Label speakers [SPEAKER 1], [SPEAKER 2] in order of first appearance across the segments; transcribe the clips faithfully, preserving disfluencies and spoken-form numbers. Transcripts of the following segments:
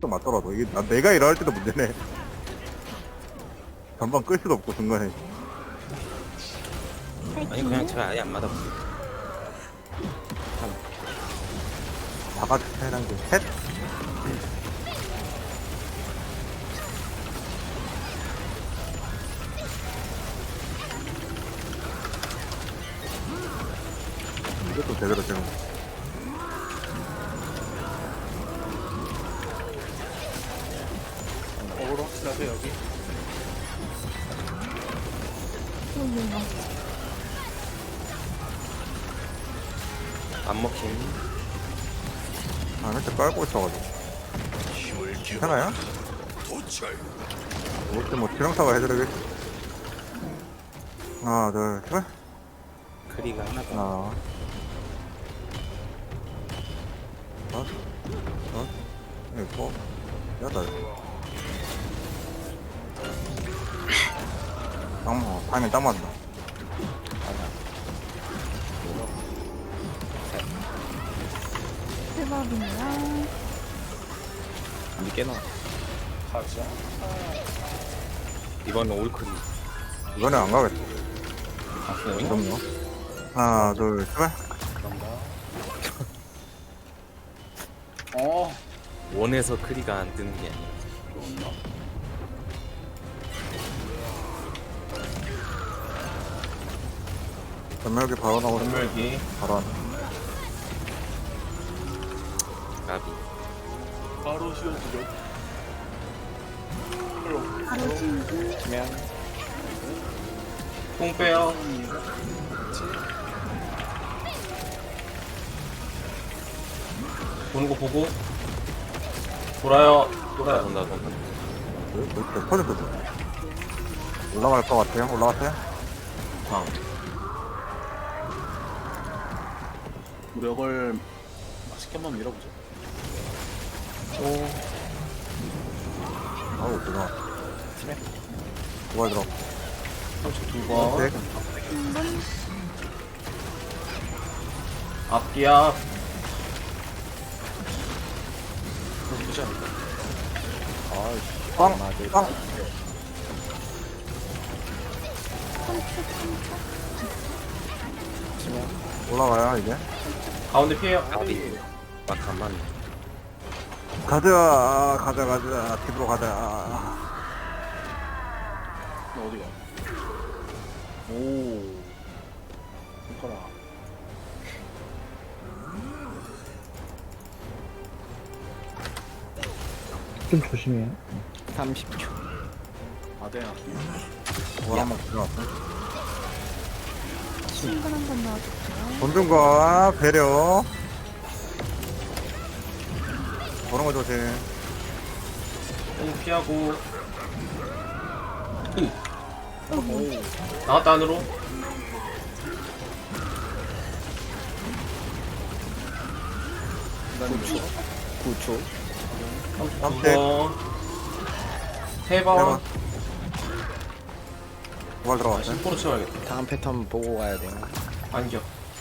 [SPEAKER 1] 또 맞더라도 이게 나, 내가 일어날 때도 문제네. 전방 끌 수도 없고 중간에.
[SPEAKER 2] 아니 그냥 제가 아예 안 맞아.
[SPEAKER 1] 다 같이 차이란 게 셋. 이것도 제대로 지금.
[SPEAKER 3] 어그로 확실하세요 여기.
[SPEAKER 2] 안 먹힘.
[SPEAKER 1] 아, 이렇게 깔고 있어가지고. 괜찮아요? 이것도 뭐 지렁사가 해드리겠지. 하나, 둘, 셋.
[SPEAKER 2] 크리가 하나 더.
[SPEAKER 1] 하나. 다섯. 다섯. 일곱. 여덟. 딱, 뭐, 타이밍 딱 맞다.
[SPEAKER 4] 대박이네요.
[SPEAKER 2] 안 깨나.
[SPEAKER 3] 가자.
[SPEAKER 2] 이번엔 올크리.
[SPEAKER 1] 이번엔 안 가겠어.
[SPEAKER 2] 아 그래요?
[SPEAKER 1] 그럼요. 하나, 둘, 셋.
[SPEAKER 3] 그런가? 어.
[SPEAKER 2] 원에서 크리가 안 뜨는 게 아니야.
[SPEAKER 1] 전멸기 바로 나오고.
[SPEAKER 3] 전멸기.
[SPEAKER 1] 바로 안.
[SPEAKER 2] 나비.
[SPEAKER 3] 바로 씌워주죠.
[SPEAKER 4] 바로 친구.
[SPEAKER 2] 치면
[SPEAKER 3] 공 빼요. 보는 거 보고. 돌아요.
[SPEAKER 2] 돈다
[SPEAKER 3] 돌아요.
[SPEAKER 2] 돈다 돈다.
[SPEAKER 1] 왜, 왜 이렇게 터졌어? 올라갈 것 같아요? 올라갔어요?
[SPEAKER 3] 광. 무력을 맛있게 한번 밀어보죠.
[SPEAKER 1] 오. 아우, 들어가. 두발 들어.
[SPEAKER 3] 두 번.
[SPEAKER 1] 네.
[SPEAKER 4] 한번
[SPEAKER 3] 앞뒤야. 그러지 않을까?
[SPEAKER 1] 빵! 빵! 올라가요, 이제.
[SPEAKER 3] 가운데 피해요.
[SPEAKER 2] 나비. 막 안 맞네.
[SPEAKER 1] 가자, 가자, 가자. 집으로 가자.
[SPEAKER 3] 너 어디가? 오. 손가락.
[SPEAKER 5] 좀 조심해요.
[SPEAKER 2] 삼십 초.
[SPEAKER 3] 아대야.
[SPEAKER 1] 뭘 한번 들어갔어.
[SPEAKER 4] 친구 한번 넣어줄게요.
[SPEAKER 1] 본중과 배려. 그런 거 조심.
[SPEAKER 3] 공 피하고. 오. 나왔다 안으로.
[SPEAKER 2] 구 초.
[SPEAKER 3] 두
[SPEAKER 1] 삼대.
[SPEAKER 3] 번. 세
[SPEAKER 1] 세
[SPEAKER 3] 번.
[SPEAKER 1] 번. 두발
[SPEAKER 3] 아,
[SPEAKER 1] 들어갔어요.
[SPEAKER 3] 심포로 채워야겠다.
[SPEAKER 2] 다음 패턴 보고 가야 돼요.
[SPEAKER 3] 안겨.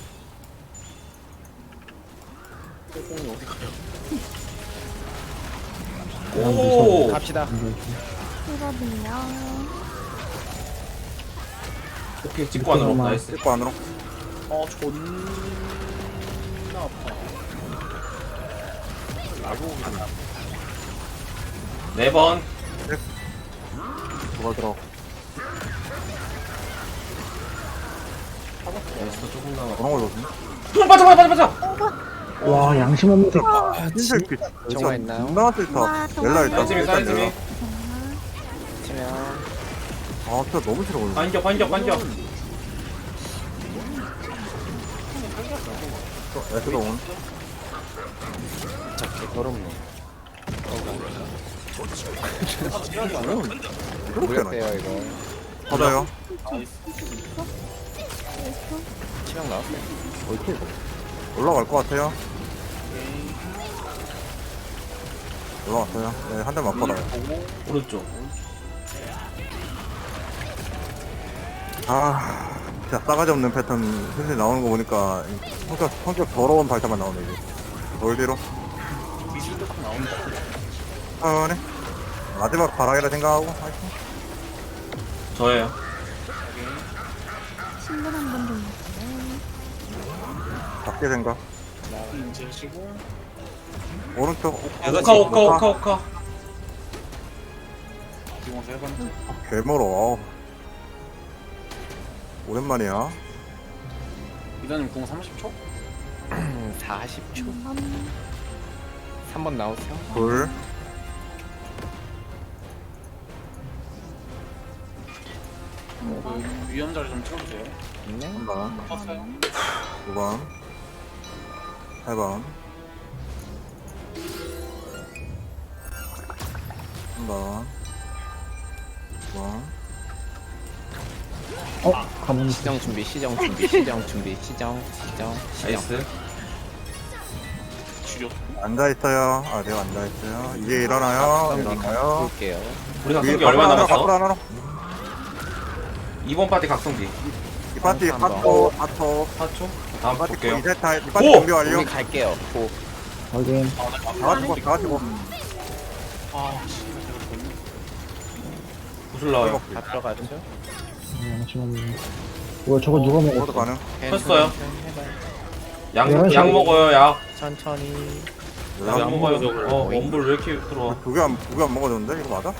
[SPEAKER 3] 공이 어디 가냐? 오.
[SPEAKER 2] 갑시다.
[SPEAKER 4] 대박이네요.
[SPEAKER 3] 오케이 찍고 안으로. 나이스.
[SPEAKER 1] 찍고 안으로.
[SPEAKER 3] 어 존나 아파. 네 번.
[SPEAKER 1] 두발 들어.
[SPEAKER 3] 나이스 조금 남아.
[SPEAKER 1] 그런 거 조심.
[SPEAKER 3] 형 빠져 빠져 빠져 빠져.
[SPEAKER 5] 와, 양심 없는 소
[SPEAKER 1] 흰색 빛.
[SPEAKER 2] 정화 있나요?
[SPEAKER 1] 존나 싫다.
[SPEAKER 4] 와, 정화
[SPEAKER 1] 넬라
[SPEAKER 4] 있나요?
[SPEAKER 1] 있다.
[SPEAKER 3] 사이즈미
[SPEAKER 1] 일단
[SPEAKER 3] 사이즈미.
[SPEAKER 1] 넬라.
[SPEAKER 2] 치면
[SPEAKER 1] 아, 진짜 너무 싫어. 오늘.
[SPEAKER 3] 반격 반격 반격.
[SPEAKER 1] 에스도 오늘.
[SPEAKER 2] 진짜 개더럽네. 무력돼요 이거.
[SPEAKER 1] 받아요.
[SPEAKER 2] 치명 나왔어요.
[SPEAKER 1] 어이, 이거. 올라갈 것 같아요. 올라갔어요. 네, 한 대만 받아요.
[SPEAKER 3] 오른쪽.
[SPEAKER 1] 아, 진짜 싸가지 없는 패턴 슬슬 나오는 거 보니까 성격, 성격 더러운 발사만 나오네, 이제. 돌 뒤로.
[SPEAKER 3] 미술도 나온다.
[SPEAKER 1] 천천히. 마지막 바라기라 생각하고. 화이팅.
[SPEAKER 3] 저예요.
[SPEAKER 4] 신분 한 번 더 넣을게요.
[SPEAKER 1] 작게 생각. 오른쪽.
[SPEAKER 3] 오카 오카 오카 오카.
[SPEAKER 1] 개멀어. 아우. 오랜만이야.
[SPEAKER 6] 이단님 공 삼십 초?
[SPEAKER 2] 사십 초.
[SPEAKER 4] 한번
[SPEAKER 2] 삼 번 나오세요.
[SPEAKER 1] 둘.
[SPEAKER 6] 그 위험 자리 좀 채워주세요.
[SPEAKER 2] 네.
[SPEAKER 1] 한 번.
[SPEAKER 6] 떴어요.
[SPEAKER 1] 두 번. 세 번. 한 번. 두 번.
[SPEAKER 5] 어? 가만히 있어.
[SPEAKER 2] 시정 준비, 시정 준비, 시정 준비, 시정, 시정, 시정.
[SPEAKER 3] 나이스.
[SPEAKER 6] 주력.
[SPEAKER 1] 앉아있어요. 아, 내가 앉아있어요. 이제 일어나요. 일어나요.
[SPEAKER 2] 볼게요.
[SPEAKER 3] 우리
[SPEAKER 1] 위에
[SPEAKER 3] 각성기 얼마
[SPEAKER 1] 앞으로
[SPEAKER 3] 남았어?
[SPEAKER 1] 하나, 앞으로
[SPEAKER 3] 이번 파티 각성기.
[SPEAKER 1] 이 파티
[SPEAKER 2] 한 번.
[SPEAKER 1] 사초, 사초.
[SPEAKER 3] 사 초. 다음
[SPEAKER 1] 이 파티
[SPEAKER 3] 볼게요.
[SPEAKER 1] 이제 다, 이 파티
[SPEAKER 3] 오!
[SPEAKER 1] 준비 완료.
[SPEAKER 2] 우리 갈게요. 고.
[SPEAKER 5] 확인.
[SPEAKER 6] 아, 나
[SPEAKER 1] 다 같이 고, 다 같이 고.
[SPEAKER 6] 아, 씨, 내가 졌네.
[SPEAKER 3] 구슬 나와요.
[SPEAKER 2] 다 들어가죠.
[SPEAKER 5] 네, 양심 없네. 이거 저거 누가
[SPEAKER 1] 모두
[SPEAKER 5] 먹었어?
[SPEAKER 1] 가능.
[SPEAKER 3] 컸어요.
[SPEAKER 2] 해봐요.
[SPEAKER 3] 약,
[SPEAKER 5] 이런
[SPEAKER 3] 약
[SPEAKER 5] 식으로-
[SPEAKER 3] 먹어요, 약.
[SPEAKER 2] 천천히.
[SPEAKER 3] 약 먹어요. 어, 원불 왜 이렇게 들어와?
[SPEAKER 1] 두개 안, 두 개 안 먹어줬는데? 이거 맞아?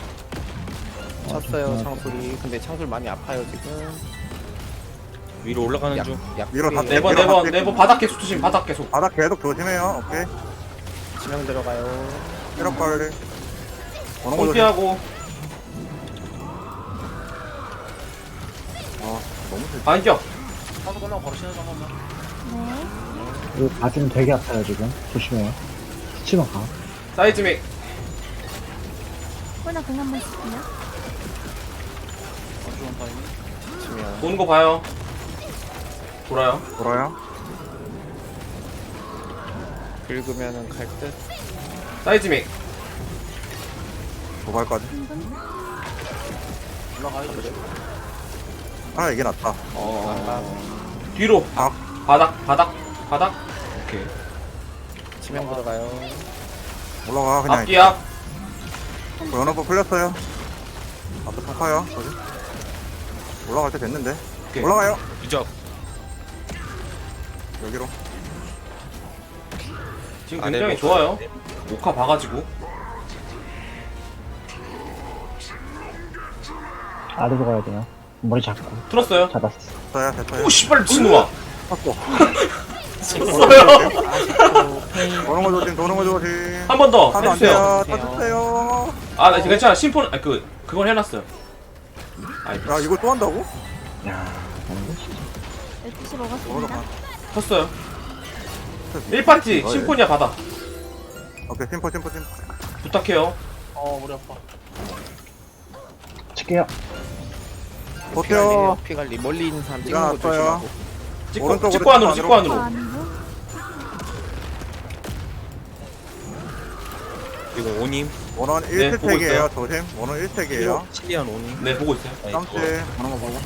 [SPEAKER 2] 쳤어요,
[SPEAKER 5] 아,
[SPEAKER 2] 창술이. 근데 창술 많이 아파요, 지금.
[SPEAKER 7] 위로 올라가는
[SPEAKER 2] 약,
[SPEAKER 7] 중.
[SPEAKER 2] 약.
[SPEAKER 1] 위로 다-
[SPEAKER 3] 네 번, 네 번, 네 번 바닥 계속 조심, 바닥 계속.
[SPEAKER 1] 바닥 계속 조심해요. 오케이.
[SPEAKER 2] 치명 들어가요.
[SPEAKER 1] 체력 관리. 어느 거 조심.
[SPEAKER 3] 공피하고.
[SPEAKER 1] 아, 너무 슬
[SPEAKER 3] 반격.
[SPEAKER 6] 사도 끝나고 바로 신호장 한 번만.
[SPEAKER 4] 네.
[SPEAKER 5] 이거 가슴 되게 아파요, 지금. 조심해요. 스치면 가.
[SPEAKER 3] 사이즈 믹.
[SPEAKER 4] 꿀나 공 한번 쓸게요.
[SPEAKER 6] 안주원 타이밍.
[SPEAKER 2] 치명.
[SPEAKER 3] 도는 거 봐요. 돌아요.
[SPEAKER 1] 돌아요.
[SPEAKER 2] 긁으면은 갈 듯.
[SPEAKER 3] 사이즈 믹.
[SPEAKER 1] 도발까지.
[SPEAKER 4] 신분
[SPEAKER 6] 올라가요.
[SPEAKER 1] 하나 이게 낫다.
[SPEAKER 2] 어.
[SPEAKER 3] 뒤로.
[SPEAKER 1] 박.
[SPEAKER 3] 바닥, 바닥, 바닥. 오케이.
[SPEAKER 2] 치명 들어가요.
[SPEAKER 1] 올라가, 그냥.
[SPEAKER 3] 앞뒤 앞.
[SPEAKER 1] 연어법 풀렸어요. 앞에 팍파요. 저기. 올라갈 때 됐는데.
[SPEAKER 3] 오케이.
[SPEAKER 1] 올라가요.
[SPEAKER 7] 유적.
[SPEAKER 1] 여기로.
[SPEAKER 3] 지금
[SPEAKER 7] 아,
[SPEAKER 3] 굉장히
[SPEAKER 7] 네,
[SPEAKER 3] 좋아요. 오카 봐가지고.
[SPEAKER 5] 아래로 가야 돼요. 머리 잡고.
[SPEAKER 3] 틀었어요.
[SPEAKER 5] 잡았어.
[SPEAKER 1] 됐어요, 됐어요.
[SPEAKER 3] 오, 씨발, 미친놈아.
[SPEAKER 1] 탔고.
[SPEAKER 3] 졌어요.
[SPEAKER 1] 도는 거 조심, 도는 거 조심.
[SPEAKER 3] 한 번 더
[SPEAKER 1] 하도 안
[SPEAKER 3] 해주세요.
[SPEAKER 1] 돼요. 터주세요.
[SPEAKER 3] 아, 나 괜찮아. 심포는, 아, 그, 그건 해놨어요. 아이,
[SPEAKER 1] 야, 이걸 또 한다고?
[SPEAKER 5] 야,
[SPEAKER 4] 열두 시
[SPEAKER 1] 도는 거
[SPEAKER 4] 먹었습니다.
[SPEAKER 1] 봐.
[SPEAKER 3] 컸어요. 일 파티,
[SPEAKER 1] 어, 예.
[SPEAKER 3] 심포니아 받아.
[SPEAKER 1] 오케이, 심포, 심포, 심포.
[SPEAKER 3] 부탁해요.
[SPEAKER 6] 어, 머리 아파.
[SPEAKER 5] 칠게요.
[SPEAKER 1] 버텨.
[SPEAKER 2] 피 관리. 멀리 있는 사람 찍는 거
[SPEAKER 1] 일어났어요.
[SPEAKER 2] 조심하고.
[SPEAKER 3] 찍고,
[SPEAKER 1] 오른쪽으로,
[SPEAKER 3] 찍고 안으로,
[SPEAKER 1] 찍고
[SPEAKER 3] 찍고
[SPEAKER 4] 어,
[SPEAKER 3] 안으로.
[SPEAKER 4] 안으로.
[SPEAKER 7] 그리고 오님.
[SPEAKER 1] 원원
[SPEAKER 3] 네,
[SPEAKER 1] 일
[SPEAKER 3] 보고
[SPEAKER 1] 스택이에요,
[SPEAKER 3] 있어요.
[SPEAKER 1] 조심. 원원 일 스택이에요.
[SPEAKER 7] 칠리안 오님.
[SPEAKER 3] 네, 보고 있어요.
[SPEAKER 7] 아니,
[SPEAKER 1] 깜찍.
[SPEAKER 7] 그거.
[SPEAKER 1] 보는 거 보고.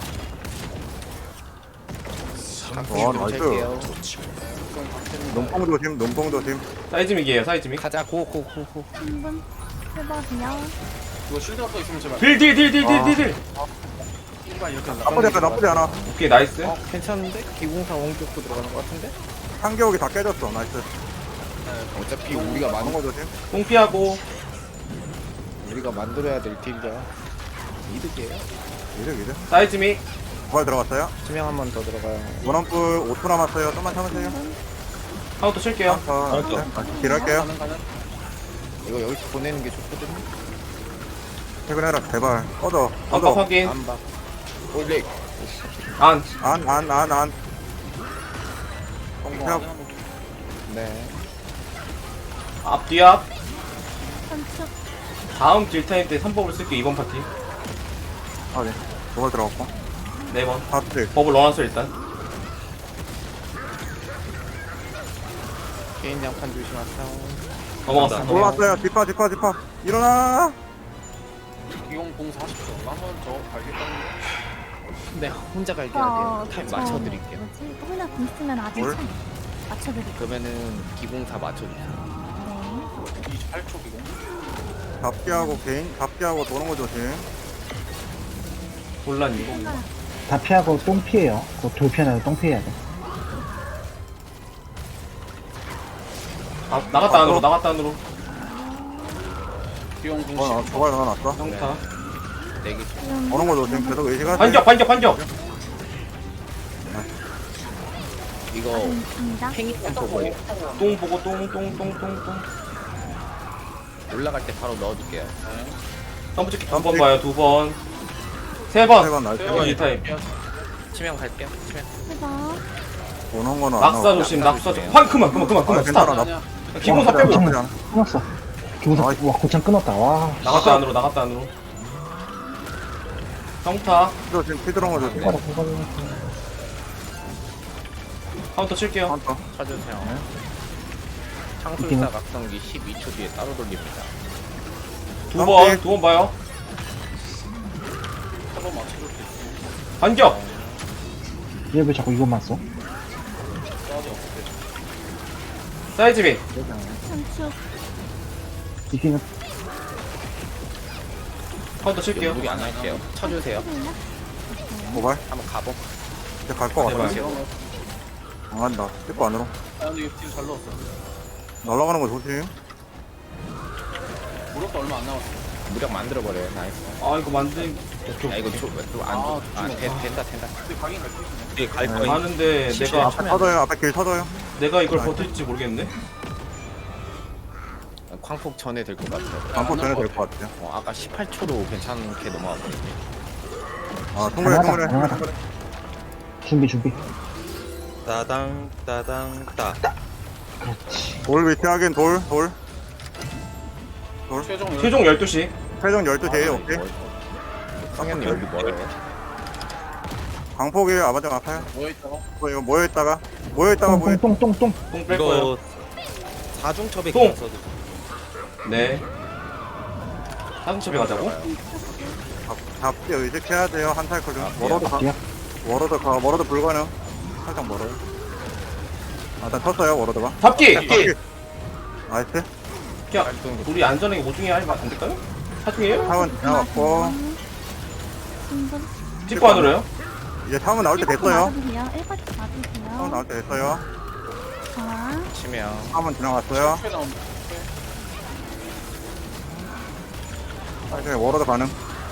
[SPEAKER 2] 각성기
[SPEAKER 1] 와,
[SPEAKER 2] 좀
[SPEAKER 1] 나이스.
[SPEAKER 2] 찰게요.
[SPEAKER 1] 눈뽕 조심, 눈뽕 조심.
[SPEAKER 3] 사이즈 믹이에요, 사이즈 믹.
[SPEAKER 2] 가자, 고, 고, 고, 고.
[SPEAKER 4] 신분 해봐요.
[SPEAKER 6] 이거 쉴드가 또 있으면 제발.
[SPEAKER 3] 딜, 딜, 딜, 딜, 딜, 딜, 딜.
[SPEAKER 6] 일반 이렇게 한다.
[SPEAKER 1] 나쁘지 않아, 나쁘지 않아.
[SPEAKER 3] 오케이, 나이스.
[SPEAKER 2] 어, 괜찮은데? 기공사 원격도 들어가는 것 같은데?
[SPEAKER 1] 한겨울이 다 깨졌어, 나이스.
[SPEAKER 2] 어차피 우리가 만,
[SPEAKER 1] 보는 거 조심.
[SPEAKER 3] 뽕피하고.
[SPEAKER 2] 우리가 만들어야 될 딜이야. 이득이에요.
[SPEAKER 1] 이득, 이득.
[SPEAKER 3] 사이즈 믹.
[SPEAKER 1] 부활 들어갔어요.
[SPEAKER 2] 치명 한 번 더 들어가요.
[SPEAKER 1] 원원뿔 오 초 남았어요. 좀만 참으세요.
[SPEAKER 3] 카운터 칠게요.
[SPEAKER 1] 아, 네. 딜할게요.
[SPEAKER 6] 가는 가는.
[SPEAKER 2] 이거 여기서 보내는 게 좋거든요.
[SPEAKER 1] 퇴근해라, 제발. 꺼져,
[SPEAKER 3] 아까
[SPEAKER 1] 꺼져.
[SPEAKER 3] 확인.
[SPEAKER 2] 안 봐. 올릭.
[SPEAKER 3] 안.
[SPEAKER 1] 안, 안, 안, 안.
[SPEAKER 6] 성공
[SPEAKER 1] 야.
[SPEAKER 6] 안 하는 거.
[SPEAKER 2] 네.
[SPEAKER 3] 앞, 뒤 앞.
[SPEAKER 4] 선축.
[SPEAKER 3] 다음 딜타임 때 삼 법을 쓸게요, 이번 파티.
[SPEAKER 1] 아, 네. 도발 들어갔고.
[SPEAKER 3] 네 번.
[SPEAKER 1] 파트.
[SPEAKER 3] 법을 넣어놨어요, 일단.
[SPEAKER 2] 개인 장판 조심하세요.
[SPEAKER 3] 넘어갔어.
[SPEAKER 7] 간다.
[SPEAKER 3] 넘어갔어.
[SPEAKER 1] 올라왔어요. 뒷파, 뒷파, 뒷파. 일어나!
[SPEAKER 6] 이공 공 사십 초. 한번 더 갈겠다는
[SPEAKER 2] 네, 혼자 갈게
[SPEAKER 4] 어,
[SPEAKER 2] 해야 돼요. 타임
[SPEAKER 4] 그쵸.
[SPEAKER 2] 맞춰드릴게요.
[SPEAKER 4] 뭐지? 꿀나 공 쓰면 아직
[SPEAKER 1] 뭘?
[SPEAKER 4] 참. 맞춰드릴게요.
[SPEAKER 2] 그러면은 기공사 맞춰주세요.
[SPEAKER 4] 네.
[SPEAKER 6] 팔 초 기공.
[SPEAKER 1] 잡기하고 개인 잡기하고 도는 거 조심.
[SPEAKER 3] 곤란이.
[SPEAKER 5] 다 피하고 똥 피해요. 그돌 피하나요? 똥 피해야 돼.
[SPEAKER 3] 아, 나갔다 안으로 나갔다 안으로.
[SPEAKER 6] 기공
[SPEAKER 1] 어,
[SPEAKER 6] 공식.
[SPEAKER 1] 나 저걸 넣어놨어.
[SPEAKER 3] 평타.
[SPEAKER 2] 내기
[SPEAKER 1] 도는 거 조심. 계속 의식하세요.
[SPEAKER 3] 반격 반격 반격.
[SPEAKER 2] 이거
[SPEAKER 4] 있습니다.
[SPEAKER 2] 팽이만 보고
[SPEAKER 3] 똥 보고 똥 똥 똥 똥똥.
[SPEAKER 2] 올라갈 때 바로 넣어줄게요.
[SPEAKER 3] 점프 찍기 두 번 봐요 두 번. 세 번.
[SPEAKER 1] 세번 나이스.
[SPEAKER 3] 이건 이 타임.
[SPEAKER 2] 치명 갈게요. 치명.
[SPEAKER 4] 해봐.
[SPEAKER 1] 도는 거는 안
[SPEAKER 3] 낙사
[SPEAKER 1] 나와.
[SPEAKER 3] 조심 낙사 조심. 환 그만 그만 그만
[SPEAKER 1] 아,
[SPEAKER 3] 그만
[SPEAKER 1] 괜찮아.
[SPEAKER 3] 스탑.
[SPEAKER 6] 아니야.
[SPEAKER 3] 기본사
[SPEAKER 1] 어,
[SPEAKER 3] 빼고.
[SPEAKER 1] 나쁘지 않아.
[SPEAKER 5] 끊었어. 기본사,
[SPEAKER 1] 나이스.
[SPEAKER 5] 와, 고창 끊었다. 와.
[SPEAKER 3] 나갔다 안으로 나갔다 안으로. 평타.
[SPEAKER 1] 조심. 피 들어온 거 조심.
[SPEAKER 5] 끊어라, 끊어라.
[SPEAKER 3] 카운터 칠게요.
[SPEAKER 1] 카운터.
[SPEAKER 2] 쳐주세요. 창술사 각성기 십이 초 뒤에 따로 돌립니다.
[SPEAKER 3] 두 번 두 번 봐요.
[SPEAKER 6] 한번 맞춰줄 수 있어.
[SPEAKER 3] 반격.
[SPEAKER 5] 얘 왜 자꾸 이것만 써?
[SPEAKER 6] 싸지 없게.
[SPEAKER 3] 사이즈비.
[SPEAKER 4] 삼축.
[SPEAKER 5] 이기는
[SPEAKER 3] 카운터 칠게요.
[SPEAKER 2] 무리 안 할게요. 쳐주세요.
[SPEAKER 4] 해볼래?
[SPEAKER 1] 모발.
[SPEAKER 2] 한번 가보.
[SPEAKER 1] 이제 갈 거 같아.
[SPEAKER 3] 제발.
[SPEAKER 1] 안 간다. 찍고 안으로.
[SPEAKER 6] 아 근데 이거 딜잘 넣었어.
[SPEAKER 1] 날아가는 거 조심.
[SPEAKER 6] 무력도 얼마 안 남았어.
[SPEAKER 2] 무력 만들어버려요. 나이스.
[SPEAKER 3] 아 이거 만든.
[SPEAKER 2] 야, 이거 좀, 좀 안,
[SPEAKER 6] 아,
[SPEAKER 2] 아,
[SPEAKER 6] 좀
[SPEAKER 2] 된,
[SPEAKER 6] 없다.
[SPEAKER 2] 된다, 된다.
[SPEAKER 6] 근데 가긴 갈수 있네.
[SPEAKER 2] 이게 갈
[SPEAKER 1] 네.
[SPEAKER 2] 거예요.
[SPEAKER 3] 하는데
[SPEAKER 2] 십칠
[SPEAKER 3] 내가
[SPEAKER 2] 초.
[SPEAKER 1] 터져요. 앞에 길 터져요.
[SPEAKER 3] 내가 이걸 버틸지 모르겠네.
[SPEAKER 2] 광폭 전에 될 것 같아요.
[SPEAKER 1] 반포 전에 될 것 같아요.
[SPEAKER 2] 어, 아까 십팔 초로 괜찮게 넘어가거든요.
[SPEAKER 1] 아, 통그래,
[SPEAKER 5] 가능하다,
[SPEAKER 1] 통그래.
[SPEAKER 5] 가능하다. 준비, 준비.
[SPEAKER 7] 따당 따당 따.
[SPEAKER 5] 그렇지.
[SPEAKER 1] 돌 위치 확인, 돌, 돌.
[SPEAKER 6] 최종
[SPEAKER 3] 최종 열두 시.
[SPEAKER 1] 최종 열두 시에 오케이.
[SPEAKER 2] 성현님 여기 멀어요.
[SPEAKER 1] 광폭이 아바정 아파요.
[SPEAKER 6] 모여 있다가
[SPEAKER 1] 이거 이거 모여있다가, 모여있다가 모여.
[SPEAKER 5] 똥, 똥, 똥, 똥.
[SPEAKER 3] 똥 뺄 거예요.
[SPEAKER 7] 이거 사중첩에
[SPEAKER 3] 똥!
[SPEAKER 7] 써도
[SPEAKER 3] 네. 사슴첩에 가자고?
[SPEAKER 1] 잡, 잡기 의식해야 돼요, 한 사이클 좀.
[SPEAKER 2] 아,
[SPEAKER 1] 워러드 가,
[SPEAKER 5] 뒤야.
[SPEAKER 1] 워러드 가, 워러드 불가능. 살짝 멀어요. 아, 일단 쳤어요, 워러드가.
[SPEAKER 3] 잡기!
[SPEAKER 1] 잡기. 나이스.
[SPEAKER 3] 야, 우리 안전하게 모중에 하면 안 될까요? 사중이에요?
[SPEAKER 1] 차원 지나갔고,
[SPEAKER 4] 신분.
[SPEAKER 3] 찍고 안으로요?
[SPEAKER 1] 이제 차원 나올 때 됐어요.
[SPEAKER 4] 맞으세요. 일 번
[SPEAKER 1] 차원
[SPEAKER 4] 맞으세요.
[SPEAKER 1] 나올 때 됐어요.
[SPEAKER 4] 자,
[SPEAKER 2] 치명.
[SPEAKER 1] 차원 지나갔어요.
[SPEAKER 6] 최 나온다.
[SPEAKER 1] 사이클 워러드 가능.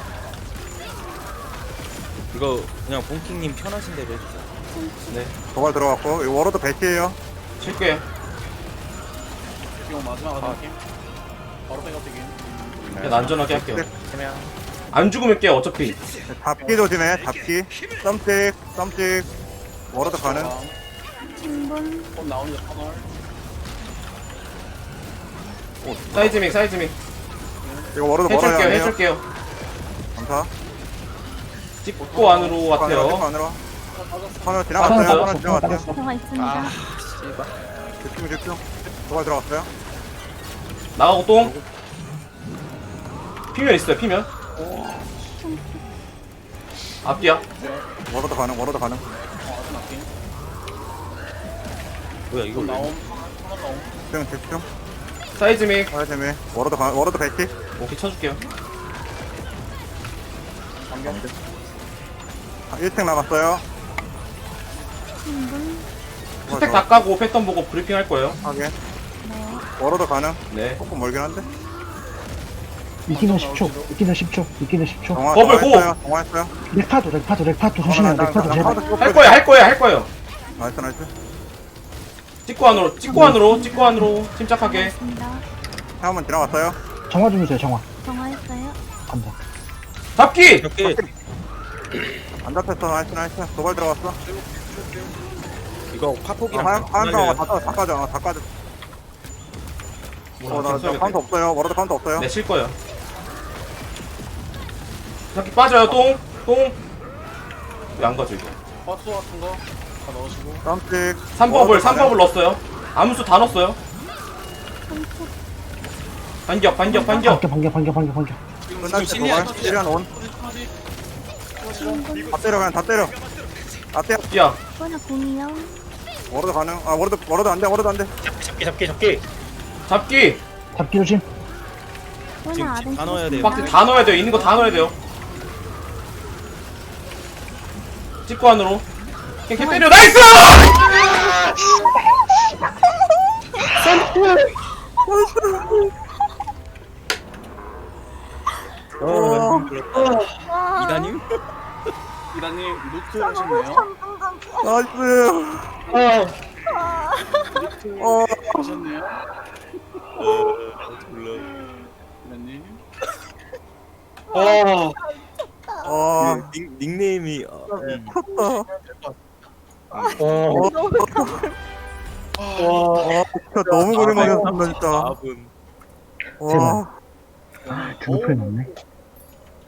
[SPEAKER 7] 이거 그냥 본킹님 편하신 대로 해주세요.
[SPEAKER 3] 네.
[SPEAKER 1] 도발 들어갔고, 이거 워러드 배치에요.
[SPEAKER 3] 칠게요.
[SPEAKER 6] 기공 마지막 하는 팀. 바로 백업되긴.
[SPEAKER 3] 그냥 안전하게 할게요.
[SPEAKER 2] 치명.
[SPEAKER 3] 안 죽으면 깨요, 어차피.
[SPEAKER 1] 잡기 조심해, 잡기. 썸찍, 썸찍. 워러드 가능.
[SPEAKER 4] 신분.
[SPEAKER 6] 곧 나오는 터널.
[SPEAKER 3] 사이즈밍, 사이즈밍.
[SPEAKER 1] 이거 워러드 멀어야
[SPEAKER 3] 해줄게요,
[SPEAKER 1] 해요.
[SPEAKER 3] 해줄게요.
[SPEAKER 1] 감사.
[SPEAKER 3] 찍고 안으로
[SPEAKER 1] 찍고
[SPEAKER 3] 같아요.
[SPEAKER 1] 안으로. 터널
[SPEAKER 3] 아,
[SPEAKER 1] 지나갔어요.
[SPEAKER 3] 맞아요.
[SPEAKER 1] 터널 지나갔어요.
[SPEAKER 5] 빠졌어.
[SPEAKER 4] 들어가 있습니다.
[SPEAKER 2] 아, 씨발.
[SPEAKER 1] 집중, 집중. 도발 들어갔어요.
[SPEAKER 3] 나가고 똥. 피면 있어요, 피면. 앞뒤야.
[SPEAKER 1] 워러드 가능, 워러드 가능.
[SPEAKER 6] 어, 마지막 팀.
[SPEAKER 7] 뭐야 이거
[SPEAKER 6] 곧
[SPEAKER 7] 왜-
[SPEAKER 6] 나옴. 터널 나옴.
[SPEAKER 1] 집중, 집중.
[SPEAKER 3] 사이즈밍.
[SPEAKER 1] 터널 재미. 워러드 가, 워러드 배치.
[SPEAKER 3] 오케이, 쳐줄게요.
[SPEAKER 6] 반격.
[SPEAKER 1] 아, 일 층 남았어요.
[SPEAKER 4] 신분.
[SPEAKER 3] 스택 다 까고 패턴 보고 브리핑 할 거예요.
[SPEAKER 1] 하게.
[SPEAKER 4] 네.
[SPEAKER 1] 워러드 가능.
[SPEAKER 3] 네.
[SPEAKER 1] 조금 멀긴 한데.
[SPEAKER 5] 이기는 십 초. 이기는 십 초. 이기는 십 초.
[SPEAKER 1] 정화,
[SPEAKER 3] 버블 고!
[SPEAKER 1] 정화했어요. 정화했어요.
[SPEAKER 5] 렉파도, 렉파도, 렉파도 조심해요. 렉파도 제발.
[SPEAKER 3] 할 거야, 할 거야, 할 거예요.
[SPEAKER 1] 나이스, 나이스.
[SPEAKER 3] 찍고 안으로, 찍고 안으로, 찍고 안으로. 침착하게.
[SPEAKER 4] 있습니다.
[SPEAKER 1] 한번 지나갔어요.
[SPEAKER 5] 정화 좀 주세요, 정화.
[SPEAKER 4] 정화했어요.
[SPEAKER 5] 감사.
[SPEAKER 3] 잡기!
[SPEAKER 7] 이렇게
[SPEAKER 1] 안 잡혔어. 나이스, 나이스. 도발 들어갔어.
[SPEAKER 7] 이거 파폭이랑
[SPEAKER 1] 하얀, 하얀
[SPEAKER 7] 네.
[SPEAKER 1] 강화 다, 다, 다 까져. 다 까져. 어, 나, 나 카운트 없어요. 워러드 카운트 없어요.
[SPEAKER 3] 네, 쉴 거예요. 잡기 빠져요, 똥. 똥. 왜 안 가죠, 이거?
[SPEAKER 6] 버스 같은 거 다 넣으시고.
[SPEAKER 1] 썸찍.
[SPEAKER 3] 삼 법을, 삼 법을 넣었어요. 암수 다 넣었어요.
[SPEAKER 4] 삼축.
[SPEAKER 3] 반격, 반격, 반격.
[SPEAKER 5] 반격, 반격, 반격, 반격.
[SPEAKER 1] 끝날 때 도발. 시리안 온.
[SPEAKER 4] 신분.
[SPEAKER 1] 다 때려, 그냥 다 때려. 다 때려.
[SPEAKER 3] 야,
[SPEAKER 4] 이번에 공이요.
[SPEAKER 1] 워러드 가능. 아, 워러드, 워러드 안 돼, 워러드 안 돼.
[SPEAKER 7] 잡기 잡기 잡기.
[SPEAKER 3] 잡기.
[SPEAKER 5] 잡기 조심.
[SPEAKER 4] 오늘
[SPEAKER 7] 지금
[SPEAKER 4] 아래
[SPEAKER 7] 다 넣어야 돼요.
[SPEAKER 3] 박스 다 넣어야 돼요. 있는 거 다 넣어야 돼요. 찍고 안으로. 그냥 걔 때려. 나이스!
[SPEAKER 4] 와.
[SPEAKER 7] 이다님?
[SPEAKER 6] 이다님 루트 하셨네요.
[SPEAKER 1] 나이스. 어.
[SPEAKER 6] 하셨네요.
[SPEAKER 7] 어 몰라.
[SPEAKER 6] 이다님.
[SPEAKER 3] 어.
[SPEAKER 1] 아,
[SPEAKER 7] 그 닉, 닉네임이 어, 음.
[SPEAKER 3] 어.
[SPEAKER 1] 와, 진짜 너무 고생하셨습니다, 진짜.
[SPEAKER 7] 사 분.
[SPEAKER 1] 와.
[SPEAKER 5] 아, 등급표 넣네.